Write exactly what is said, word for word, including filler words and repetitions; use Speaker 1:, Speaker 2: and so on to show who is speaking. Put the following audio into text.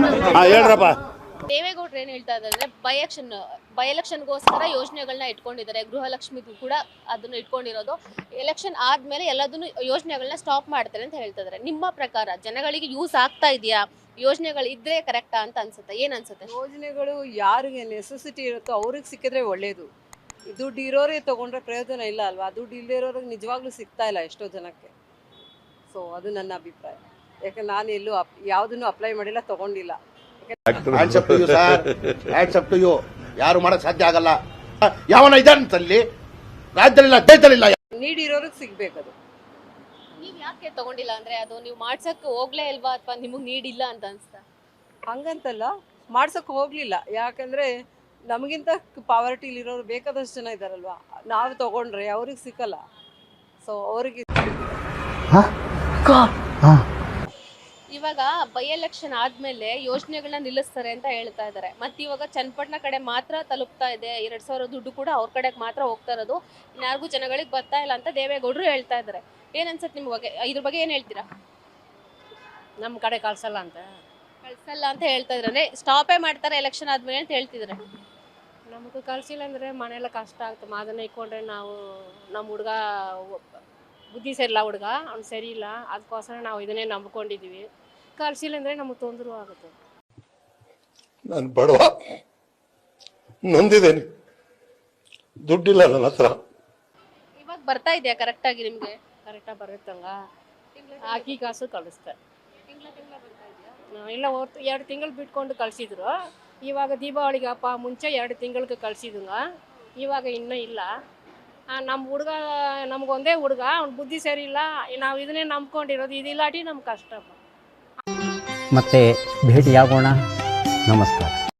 Speaker 1: ಹೇಳ್ರಪ್ಪ.
Speaker 2: ದೇವೇಗೌಡರು ಏನ್ ಹೇಳ್ತಾ ಇದ್ದಾರೆ, ಬೈ ಎಲೆಕ್ಷನ್ ಬೈ ಎಲೆಕ್ಷನ್ಗೋಸ್ಕರ ಯೋಜನೆಗಳನ್ನ ಇಟ್ಕೊಂಡಿದ್ದಾರೆ. ಗೃಹಲಕ್ಷ್ಮಿಗೂ ಕೂಡ ಅದನ್ನ ಇಟ್ಕೊಂಡಿರೋದು. ಎಲೆಕ್ಷನ್ ಆದ್ಮೇಲೆ ಎಲ್ಲದನ್ನು ಯೋಜನೆಗಳನ್ನ ಸ್ಟಾಪ್ ಮಾಡ್ತಾರೆ ಅಂತ ಹೇಳ್ತಾ ಇದ್ದಾರೆ. ನಿಮ್ಮ ಪ್ರಕಾರ ಜನಗಳಿಗೆ ಯೂಸ್ ಆಗ್ತಾ ಇದೆಯಾ? ಯೋಜನೆಗಳು ಇದ್ರೆ ಕರೆಕ್ಟಾ ಅಂತ ಅನ್ಸುತ್ತೆ? ಏನ್ ಅನ್ಸುತ್ತೆ?
Speaker 3: ಯೋಜನೆಗಳು ಯಾರಿಗೆ ನೆಸೆಸಿಟಿ ಇರುತ್ತೋ ಅವ್ರಿಗೆ ಸಿಕ್ಕಿದ್ರೆ ಒಳ್ಳೇದು. ದುಡ್ಡು ಇರೋರೇ ತಗೊಂಡ್ರೆ ಪ್ರಯೋಜನ ಇಲ್ಲ ಅಲ್ವಾ? ದುಡ್ಡು ಇಲ್ಲದೆ ಇರೋರಿಗೆ ನಿಜವಾಗ್ಲೂ ಸಿಗ್ತಾ ಇಲ್ಲ ಎಷ್ಟೋ ಜನಕ್ಕೆ. ಸೊ ಅದು ನನ್ನ ಅಭಿಪ್ರಾಯ. ಯಾಕಂದ್ರೆ ನಾನು ಎಲ್ಲೂ ಅಪ್ ಯಾವುದನ್ನು ಅಪ್ಲೈ ಮಾಡಿಲ್ಲ, ತಗೊಂಡಿಲ್ಲ.
Speaker 1: ಯಾರು ಮಾಡಕ್ ಸಾಧ್ಯ ಆಗಲ್ಲ. ಯಾವನ ಇದ್ದಾನಂತಲ್ಲಿ ರಾಜ್ಯದಲ್ಲಿಲ್ಲ, ದೇಶದಲ್ಲಿಲ್ಲ.
Speaker 3: ನೀಡಿರೋರಿಗೆ ಸಿಗ್ಬೇಕದು.
Speaker 2: ನೀವ್ ಯಾಕೆ ತಗೊಂಡಿಲ್ಲ ಅಂದ್ರೆ ಅದು ನೀವು ಮಾಡ್ಸಕ್ ಹೋಗ್ಲೇ ಇಲ್ವಾ ಅಥವಾ ನಿಮಗ್ ನೀಡಿಲ್ಲ ಅಂತ ಅನ್ಸ್ತಾ?
Speaker 3: ಹಂಗಂತಲ್ಲ, ಮಾಡ್ಸೋಕೆ ಹೋಗಲಿಲ್ಲ. ಯಾಕಂದರೆ ನಮಗಿಂತ ಪಾವರ್ಟಿಲಿರೋರು ಬೇಕಾದಷ್ಟು ಜನ ಇದ್ದಾರಲ್ವಾ. ನಾವು ತಗೊಂಡ್ರೆ ಅವ್ರಿಗೆ ಸಿಕ್ಕಲ್ಲ. ಸೊ ಅವ್ರಿಗೆ
Speaker 2: ಇವಾಗ ಬೈ ಎಲೆಕ್ಷನ್ ಆದ್ಮೇಲೆ ಯೋಜನೆಗಳನ್ನ ನಿಲ್ಲಿಸ್ತಾರೆ ಅಂತ ಹೇಳ್ತಾ ಇದ್ದಾರೆ. ಮತ್ತೆ ಇವಾಗ ಚನ್ನಪಟ್ಟಣ ಕಡೆ ಮಾತ್ರ ತಲುಪ್ತಾ ಇದೆ. ಎರಡ್ ಸಾವಿರ ದುಡ್ಡು ಕೂಡ ಅವ್ರ ಕಡೆಗೆ ಮಾತ್ರ ಹೋಗ್ತಾ ಇರೋದು, ಇನ್ಯಾರಿಗೂ ಜನಗಳಿಗೆ ಬರ್ತಾ ಇಲ್ಲ ಅಂತ ದೇವೇಗೌಡರು ಹೇಳ್ತಾ ಇದ್ದಾರೆ. ಏನ್ ಅನ್ಸುತ್ತೆ ನಿಮ್ ಬಗ್ಗೆ? ಇದ್ರ ಬಗ್ಗೆ ಏನ್ ಹೇಳ್ತೀರಾ?
Speaker 4: ನಮ್ಮ ಕಡೆ ಕಳ್ಸಲ್ಲ ಅಂತ
Speaker 2: ಕಳ್ಸಲ್ಲ ಅಂತ ಹೇಳ್ತಾ ಇದ್ರೆ ಸ್ಟಾಪೇ ಮಾಡ್ತಾರೆ ಎಲೆಕ್ಷನ್ ಆದ್ಮೇಲೆ ಅಂತ ಹೇಳ್ತಿದ್ರೆ.
Speaker 4: ನಮಗೂ ಕಳ್ಸಿಲ್ಲ ಅಂದರೆ ಮನೆಯೆಲ್ಲ ಕಷ್ಟ ಆಗ್ತದೆ. ಅದನ್ನ ಇಟ್ಕೊಂಡ್ರೆ ನಾವು ನಮ್ಮ ಹುಡುಗ ಬುದ್ಧಿ ಸರಿಯಿಲ್ಲ, ಹುಡುಗ ಅವ್ನು ಸರಿ ಇಲ್ಲ, ಅದಕ್ಕೋಸ್ಕರ ನಾವು ಇದನ್ನೇ ನಂಬ್ಕೊಂಡಿದ್ದೀವಿ. ಕಳ್ಸಿಲ್ಲ ಅಂದರೆ ನಮಗೆ ತೊಂದರೆ ಆಗುತ್ತೆ.
Speaker 5: ನಾನು ಬಡವ, ನೊಂದಿದ್ದೇನೆ, ದುಡ್ಡಿಲ್ಲ ನನ್ನ ಹತ್ರ.
Speaker 2: ಇವಾಗ ಬರ್ತಾ ಇದೆಯಾ ಕರೆಕ್ಟ್ ಆಗಿ ನಿಮ್ಗೆ?
Speaker 4: ಕರೆಕ್ಟಾಗಿ ಬರುತ್ತಂಗ ಹಾಕಿ ಕಾಸು ಕಳಿಸ್ತಾರೆ. ಇಲ್ಲ ಹೊರ್ತು ಎರಡು ತಿಂಗಳು ಬಿಟ್ಕೊಂಡು ಕಳಿಸಿದ್ರು. ಇವಾಗ ದೀಪಾವಳಿಗೆ ಹಬ್ಬ ಮುಂಚೆ ಎರಡು ತಿಂಗಳಿಗೆ ಕಳಿಸಿದಂಗ, ಇವಾಗ ಇನ್ನೂ ಇಲ್ಲ. ನಮ್ಮ ಹುಡುಗ ನಮಗೊಂದೇ ಹುಡುಗ, ಅವ್ನ ಬುದ್ಧಿ ಸರಿ ಇಲ್ಲ, ನಾವು ಇದನ್ನೇ ನಂಬ್ಕೊಂಡಿರೋದು. ಇದಿಲ್ಲಾಟಿ ನಮ್ಗೆ ಕಷ್ಟ.
Speaker 6: ಮತ್ತೆ ಭೇಟಿಯಾಗೋಣ. ನಮಸ್ಕಾರ.